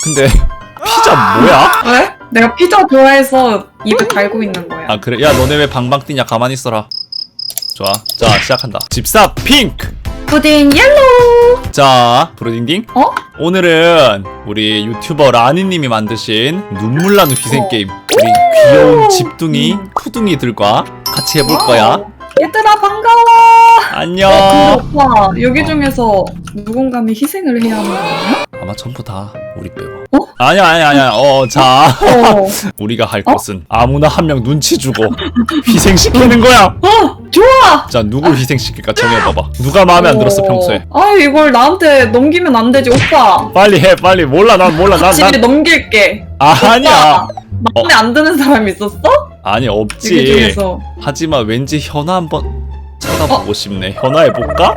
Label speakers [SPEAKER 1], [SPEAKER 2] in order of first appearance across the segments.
[SPEAKER 1] 근데 피자 뭐야?
[SPEAKER 2] 왜? 내가 피자 좋아해서 입에 달고 있는 거야.
[SPEAKER 1] 아 그래? 야 너네 왜 방방 뛰냐? 가만히 있어라. 좋아. 자 시작한다. 집사 핑크.
[SPEAKER 2] 푸딩 옐로우.
[SPEAKER 1] 자 브로딩딩.
[SPEAKER 2] 어?
[SPEAKER 1] 오늘은 우리 유튜버 라니님이 만드신 눈물 나는 희생 게임. 우리 귀여운 집둥이 푸둥이들과 같이 해볼 거야.
[SPEAKER 2] 얘들아 반가워.
[SPEAKER 1] 안녕.
[SPEAKER 2] 근데 오빠 여기 중에서 누군가는 희생을 해야 하는 거야?
[SPEAKER 1] 아마 전부 다 우리 빼고.
[SPEAKER 2] 어?
[SPEAKER 1] 아니야. 자
[SPEAKER 2] 어.
[SPEAKER 1] 우리가 할 것은 아무나 한 명 눈치 주고 희생시키는 거야.
[SPEAKER 2] 좋아.
[SPEAKER 1] 자 누구 희생시킬까 정해봐봐. 누가 마음에 안 들었어 평소에?
[SPEAKER 2] 아 이걸 나한테 넘기면 안 되지 오빠.
[SPEAKER 1] 빨리 해 빨리. 몰라 난
[SPEAKER 2] 집에 넘길게.
[SPEAKER 1] 아니야.
[SPEAKER 2] 오빠, 마음에 안 드는 사람 있었어?
[SPEAKER 1] 아니
[SPEAKER 2] 여기
[SPEAKER 1] 없지.
[SPEAKER 2] 중에서.
[SPEAKER 1] 하지만 왠지 현아 한번 쳐다보고 싶네. 현아 해볼까?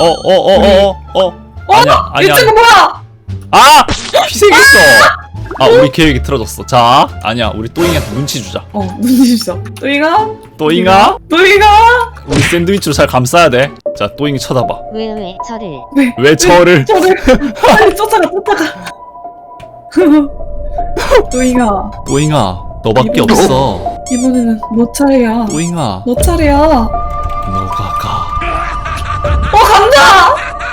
[SPEAKER 1] 아니야.
[SPEAKER 2] 유튜브 뭐야?
[SPEAKER 1] 아! 희생했어! 아 우리 계획이 틀어졌어. 자 아니야 우리 또잉이한테 눈치 주자.
[SPEAKER 2] 눈치 주자. 또이가?
[SPEAKER 1] 또잉아
[SPEAKER 2] 또이가?
[SPEAKER 1] 우리 샌드위치로 잘 감싸야 돼. 자 또잉이 쳐다봐.
[SPEAKER 3] 왜 저를
[SPEAKER 1] 왜 저를
[SPEAKER 2] 저를 빨리 쫓아가. 또이가
[SPEAKER 1] 또잉아 너밖에
[SPEAKER 2] 이번-
[SPEAKER 1] 없어.
[SPEAKER 2] 이번에는 너 차례야.
[SPEAKER 1] 또잉아
[SPEAKER 2] 너 차례야.
[SPEAKER 1] 너가 가.
[SPEAKER 2] 간다.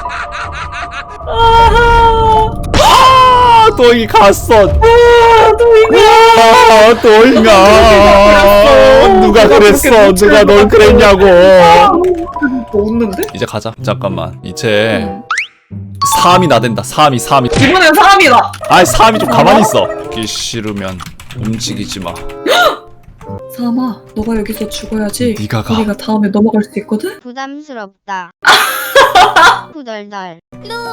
[SPEAKER 1] 아 또잉이 갔어.
[SPEAKER 2] 또이가.
[SPEAKER 1] 또잉아 누가 그랬어. 누가 널 그랬냐고.
[SPEAKER 2] 웃는데?
[SPEAKER 1] 이제 가자. 잠깐만 이제 3이 나댄다. 3이
[SPEAKER 2] 이번엔 사람이다.
[SPEAKER 1] 아이 3이 좀 가만히 있어. 듣기 싫으면 움직이지 마.
[SPEAKER 2] 사마, 너가 여기서 죽어야지.
[SPEAKER 1] 네가 가.
[SPEAKER 2] 우리가 다음에 넘어갈 수 있거든.
[SPEAKER 3] 부담스럽다. 후덜덜.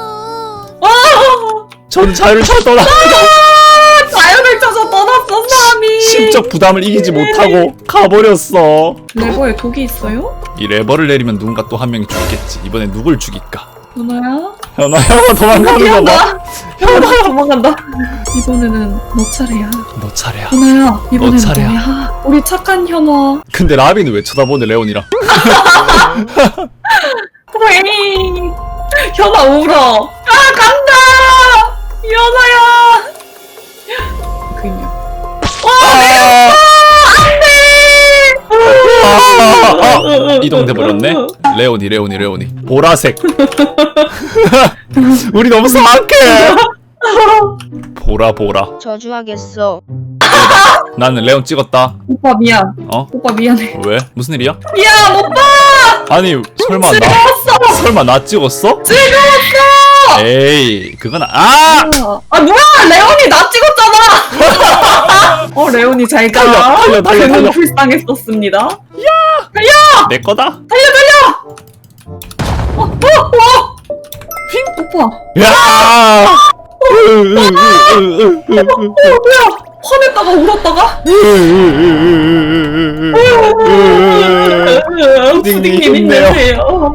[SPEAKER 1] 전 자유를 찾더라.
[SPEAKER 2] 자연을 찾아 떠났어 사람이.
[SPEAKER 1] 심적 부담을 이기지 못하고 가버렸어.
[SPEAKER 2] 레버에 독이 있어요?
[SPEAKER 1] 이 레버를 내리면 누군가 또 한 명이 죽겠지. 이번엔 누굴 죽일까?
[SPEAKER 2] 현아야?
[SPEAKER 1] 현아 도망가는 거 봐.
[SPEAKER 2] 현아야 도망간다. 이번에는 너 차례야.
[SPEAKER 1] 너 차례야.
[SPEAKER 2] 현아야, 이번엔
[SPEAKER 1] 차례야.
[SPEAKER 2] 너야. 우리 착한 현아.
[SPEAKER 1] 근데 라비는 왜 쳐다보네 레온이랑?
[SPEAKER 2] 왜? 현아 울어. 간다. 현아야. 그냥.
[SPEAKER 1] 이동돼 버렸네. 레온이 보라색. 우리 너무 사악해. 보라.
[SPEAKER 3] 저주하겠어.
[SPEAKER 1] 나는 레온 찍었다.
[SPEAKER 2] 오빠 미안.
[SPEAKER 1] 어?
[SPEAKER 2] 오빠 미안해.
[SPEAKER 1] 왜? 무슨 일이야?
[SPEAKER 2] 미안 오빠.
[SPEAKER 1] 아니 설마 나 찍었어?
[SPEAKER 2] 즐거웠어.
[SPEAKER 1] 에이 그건
[SPEAKER 2] 아 뭐야? 레온이 나 찍었잖아. 레온이 잘 가.
[SPEAKER 1] 달려.
[SPEAKER 2] 그는 불쌍했었습니다.
[SPEAKER 1] 내 거다.
[SPEAKER 2] 오빠.
[SPEAKER 1] 야!
[SPEAKER 2] 뭐야? 화냈다가 울었다가? 푸딩님 힘내세요.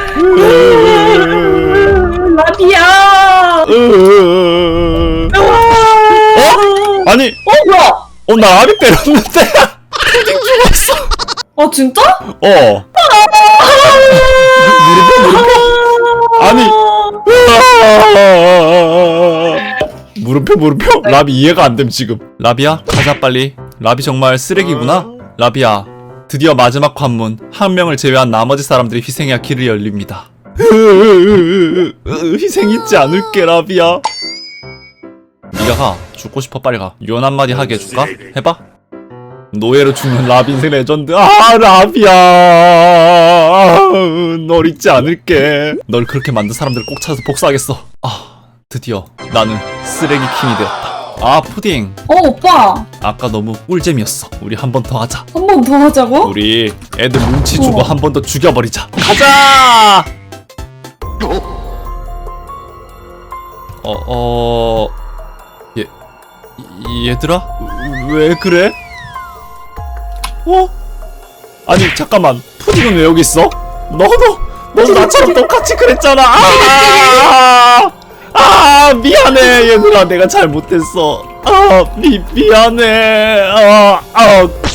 [SPEAKER 2] 라비야.
[SPEAKER 1] 아니
[SPEAKER 2] 뭐야?
[SPEAKER 1] 나 아비 때렸는데.
[SPEAKER 2] 진짜?
[SPEAKER 1] 아니 물음표 라비 이해가 안 됨 지금. 라비야 가자 빨리. 라비 정말 쓰레기구나. 라비야 드디어 마지막 관문. 한 명을 제외한 나머지 사람들이 희생해야 길이 열립니다. 희생 잊지 않을게 라비야. 네가 가. 죽고 싶어 빨리 가. 유언 한마디 하게 해줄까? 해봐. 노예로 죽는 라비 인생 레전드. 라비야 널 잊지 않을게. 널 그렇게 만든 사람들을 꼭 찾아서 복수하겠어. 드디어 나는 쓰레기 킹이 되었다. 푸딩
[SPEAKER 2] 오빠.
[SPEAKER 1] 아까 너무 꿀잼이었어. 우리 한 번 더 하자.
[SPEAKER 2] 한 번 더 하자고?
[SPEAKER 1] 우리 애들 눈치 주고 한 번 더 죽여버리자. 가자. 얘들아 왜 그래? 아니 잠깐만 푸딩은 왜 여기 있어? 너도 나처럼 똑같이 그랬잖아. 미안해 얘들아 내가 잘못했어. 미안해.